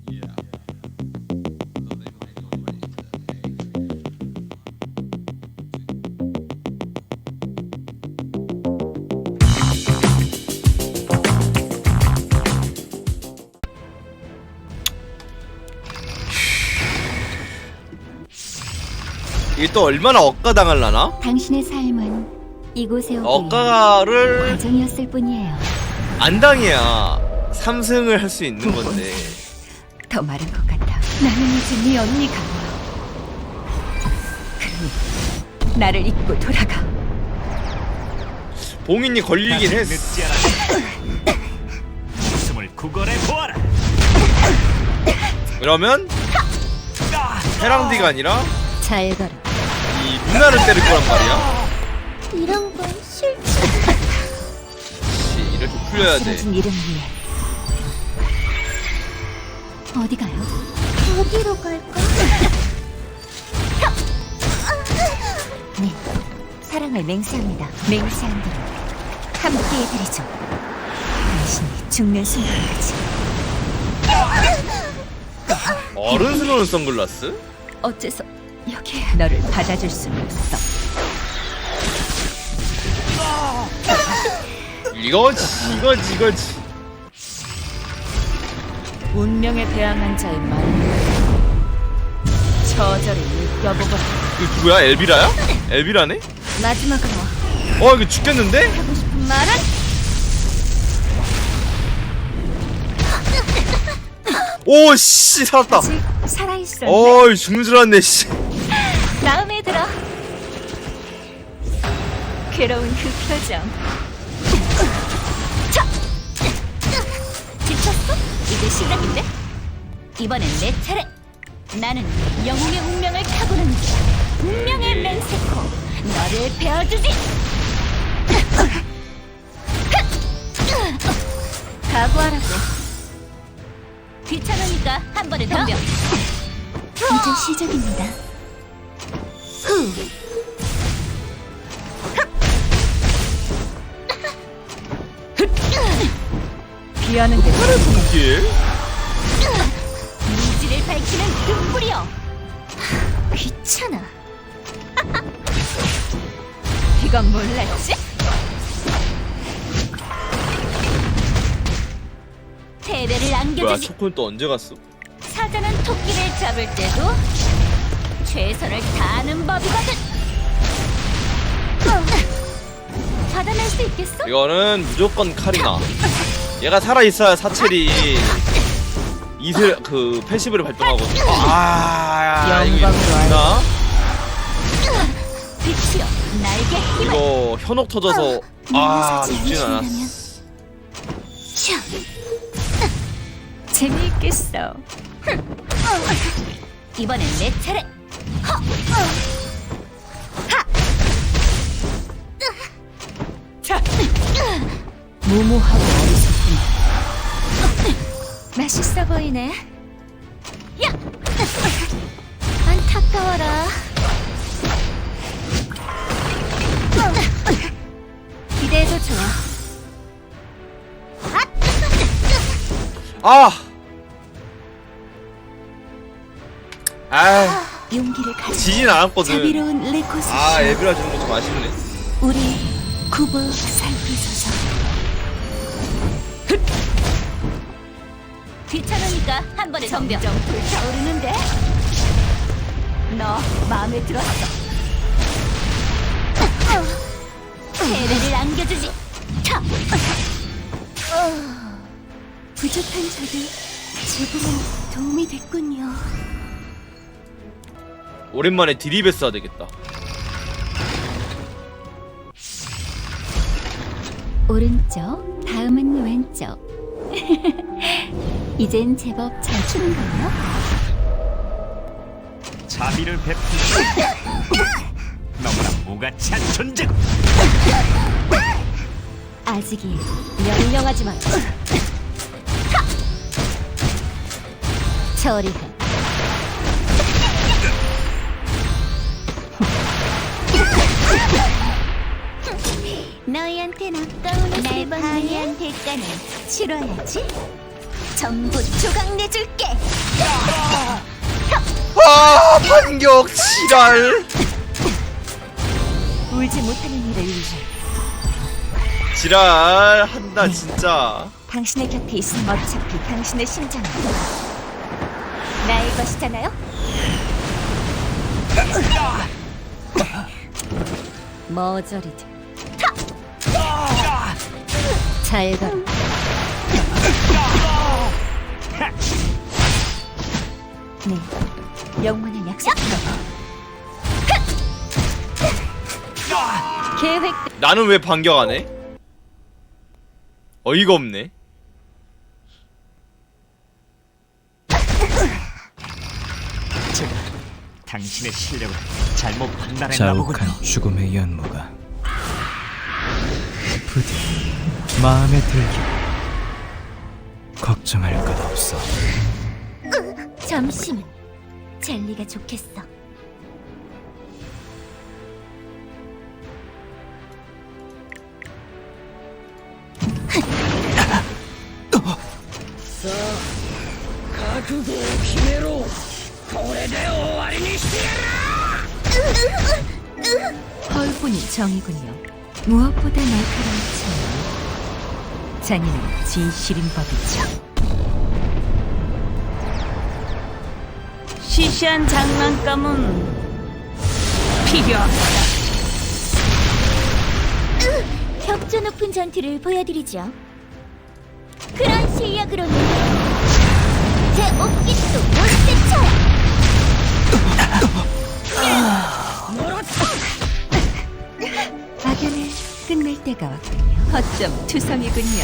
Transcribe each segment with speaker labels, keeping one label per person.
Speaker 1: 이게 또 얼마나 억가당할라나?
Speaker 2: 당신의 삶은 이곳에 오기
Speaker 1: 억가를
Speaker 2: 과정이었을 뿐이에요.
Speaker 1: 안 당해야 3승을 할 수 있는 건데.
Speaker 2: 더 마른 것 같아. 나는 이제 네 언니가. 그러니 나를 잊고 돌아가.
Speaker 1: 봉인이 걸리긴 했어.
Speaker 3: 늦지 않아. 목숨을 구걸해 보아라.
Speaker 1: 그러면 해랑디가 아니라
Speaker 2: 잘 가라.
Speaker 1: 이 누나를 때릴 거란 말이야.
Speaker 2: 이런 건 싫지.
Speaker 1: 그치, 이렇게 풀려야 돼.
Speaker 2: 쓰러진 이름 위에 어디 가요? 어디로 갈까? 네, 사랑을 맹세합니다. 맹세한 대로 함께 해드리죠. 당신이 죽는 순간까지.
Speaker 1: 어른스러운 선글라스?
Speaker 2: 어째서 여기 너를 받아줄 수는 없어.
Speaker 1: 이거지.
Speaker 2: 운명에 대항한 자의 마음 저절을 느껴보거라.
Speaker 1: 이거 누구야? 엘비라야? 엘비라네?
Speaker 2: 마지막으로
Speaker 1: 이거 죽겠는데?
Speaker 2: 하고 싶은 말은?
Speaker 1: 오, 씨, 살았다.
Speaker 2: 아직 살아있어.
Speaker 1: 죽는 줄 알았네, 씨.
Speaker 2: 마음에 들어. 괴로운 그 표정. 차! 지쳤어? 이제 시작인데? 이번엔 내 차례. 나는 영웅의 운명을 타고는 운명의 맹세코. 너를 베어주지. 각오하라고. 귀찮으니까 한 번에 덤벼. 이제 시작입니다. 비하는 게
Speaker 1: 하늘 분길?
Speaker 2: 미지를 밝히는 등불이여. 귀찮아. 이건 몰랐지? 패배를
Speaker 1: 뭐야,
Speaker 2: 안겨주지.
Speaker 1: 초코는 또 언제 갔어?
Speaker 2: 사자는 토끼를 잡을 때도 최선을 다하는 법이거든. 받아낼 수 있겠어?
Speaker 1: 이거는 무조건 카리나. 얘가 살아있어야 사첼이 그 패시브를 발동하거든. 이거 있나?
Speaker 2: 빛이여, 날개 힘을.
Speaker 1: 이거 현혹 터져서 죽진 않았어.
Speaker 2: 재미있겠어. 이번엔 내 차례. 자, 무모하고 어리석구나. 맛있어 보이네. 야, 안타까워라. 기대해도 좋아. 용기를 가져.
Speaker 1: 지진 않았거든.
Speaker 2: 자비로운 레코스.
Speaker 1: 엘비라 주는 거 좀 아쉽네.
Speaker 2: 우리 굽어 살피소서. 귀찮으니까 한 번에 점점 불타오르는데. 너 마음에 들었어. 패배를 안겨주지. 부족한 저들 조금은 도움이 됐군요.
Speaker 1: 오랜만에 디리베스 해야 되겠다.
Speaker 2: 오른쪽, 다음은 왼쪽. 이젠 제법 잘 추는걸요?
Speaker 3: 자비를 베푸시. 너무나 무가치한 존재고.
Speaker 2: 아직이 명령하지만 저리 해. 너희한텐 아까운 날 파괴한 대가는 치러야지. 전부 조각 내줄게.
Speaker 1: 아 반격 지랄.
Speaker 2: 울지 못하는 일을 위해
Speaker 1: 지랄 한다 진짜.
Speaker 2: 당신의 곁에 있으면 어차피 당신의 심장은 나의 것이잖아요? 머저리지. 잘 가라. 네, 영원한 약속. 계획.
Speaker 1: 나는 왜 반격 안 해? 어이가 없네.
Speaker 3: 제가 당신의 실력을 잘못 판단했나 보군요.
Speaker 4: 자욱한 죽음의 연모가 부디 마음에 들기. 걱정할 것 없어.
Speaker 2: 점심은 젤리가 좋겠어. 헐뿐이 정이군요. 무엇보다 날카로운 참 잔인한 진실인 법이죠. 시시한 장난감은 필요 없다. 격조 높은 전투를 보여드리죠. 그런 실력으로는 제 옷깃도 못 제쳐요. 악연을 끝낼 때가 왔군요. 어쩜 투성이군요.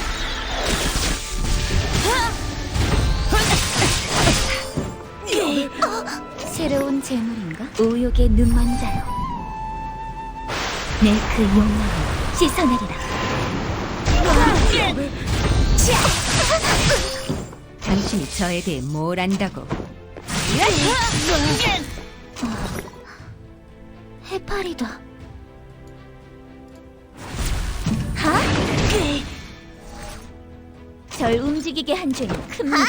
Speaker 2: 새로운 재물인가? 우욕의 눈먼자요. 내 그 욕망을 씻어내리라. 당신이 저에 대해 뭘 안다고? 해파리다. 하? 절 움직이게 한 죄는 큽니다.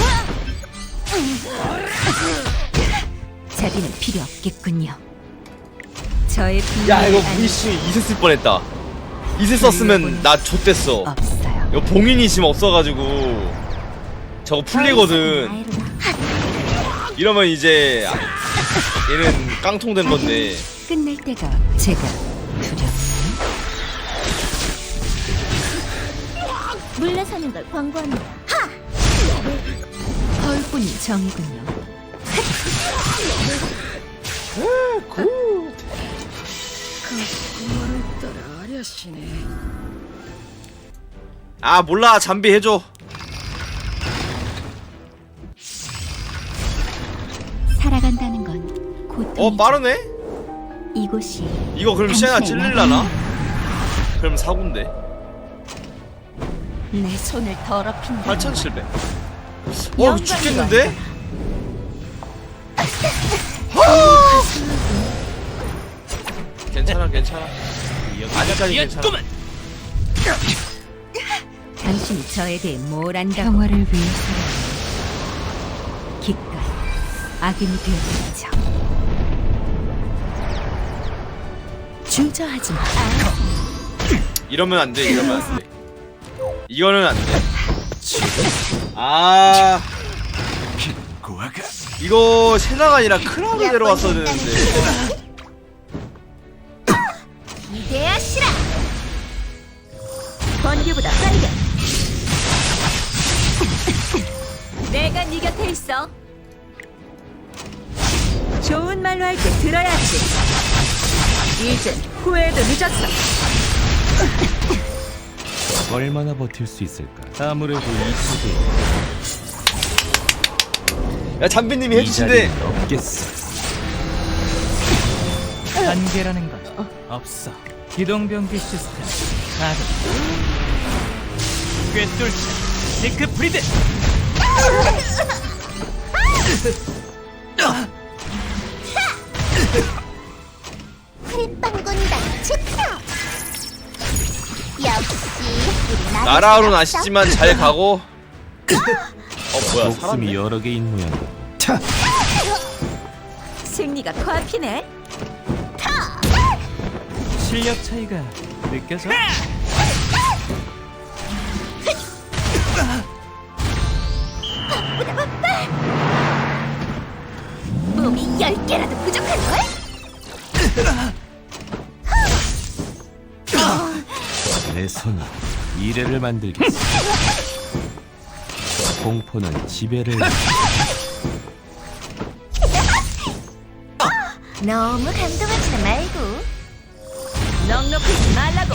Speaker 2: 자비는 필요 없겠군요. 저의
Speaker 1: 야 이거
Speaker 2: 비밀을
Speaker 1: 무이씨 이세 쓸 뻔했다. 이세 썼으면 나 좆됐어.
Speaker 2: 없어요.
Speaker 1: 이거 봉인이 지금 없어가지고 저거 풀리거든. 이러면 이제 얘는 깡통된 건데.
Speaker 2: 끝낼 때가 제가 두렵나요? 물러서는 걸 권고합니다. 헐뿐이 정이군요.
Speaker 1: 아 몰라 잠비 해줘.
Speaker 2: 살아간다는 건 고통이죠.
Speaker 1: 빠르네.
Speaker 2: 이곳이
Speaker 1: 이거 그럼 시야나
Speaker 2: 당신의
Speaker 1: 찔릴라나? 그럼 사군데.
Speaker 2: 내 손을 더럽힌다.
Speaker 1: 8,700. 이거 죽겠는데? 괜찮아 괜찮아. 아직까지 괜찮아.
Speaker 2: 당신이 저에 대해 뭘 안다고? 평화를 위해서라면 기꺼이 악인이 되었겠죠. 주저하지 마.
Speaker 1: 이러면 안 돼. 이러면 안 돼. 이거는 안 돼. 아
Speaker 3: 고아가
Speaker 1: 이거 세나가 아니라 크라가 데려왔어야 되는데.
Speaker 2: 기대하시라. 번개보다 빠르게. 내가 네 곁에 있어. 좋은 말로 할 때 들어야지. 이젠 후회도 늦었어.
Speaker 4: 얼마나 버틸 수 있을까? 아무래도 이 속에
Speaker 1: 야 잠비님이
Speaker 4: 이
Speaker 1: 해주신대.
Speaker 4: 자리는 없겠어. 한계라는 건 없어. 기동병기 시스템 가동. 꿰뚫자 시크 프리드.
Speaker 2: 크림빵군단 축하. 역시 우리
Speaker 1: 나라로는 아시지만 잘 가고. 뭐야
Speaker 4: 목숨이
Speaker 1: 살았네.
Speaker 4: 여러 개인 모양이다.
Speaker 2: 승리가 코앞이네.
Speaker 4: 실력 차이가 느껴져?
Speaker 2: 몸이 10개라도 부족한걸?
Speaker 4: 내 손이 미래를 만들겠어. 공포는 지배를
Speaker 2: 너무 감동하지는 말고 넉넉하지 말라고.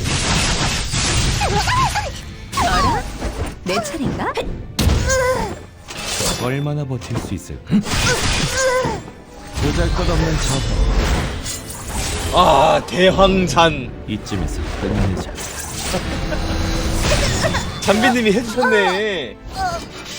Speaker 2: 어라? 내 차례인가?
Speaker 4: 얼마나 버틸 수 있을까? 보잘것없는 저거
Speaker 1: 아 대황산.
Speaker 4: 이쯤에서 끝내자.
Speaker 1: 잠비님이 해주셨네.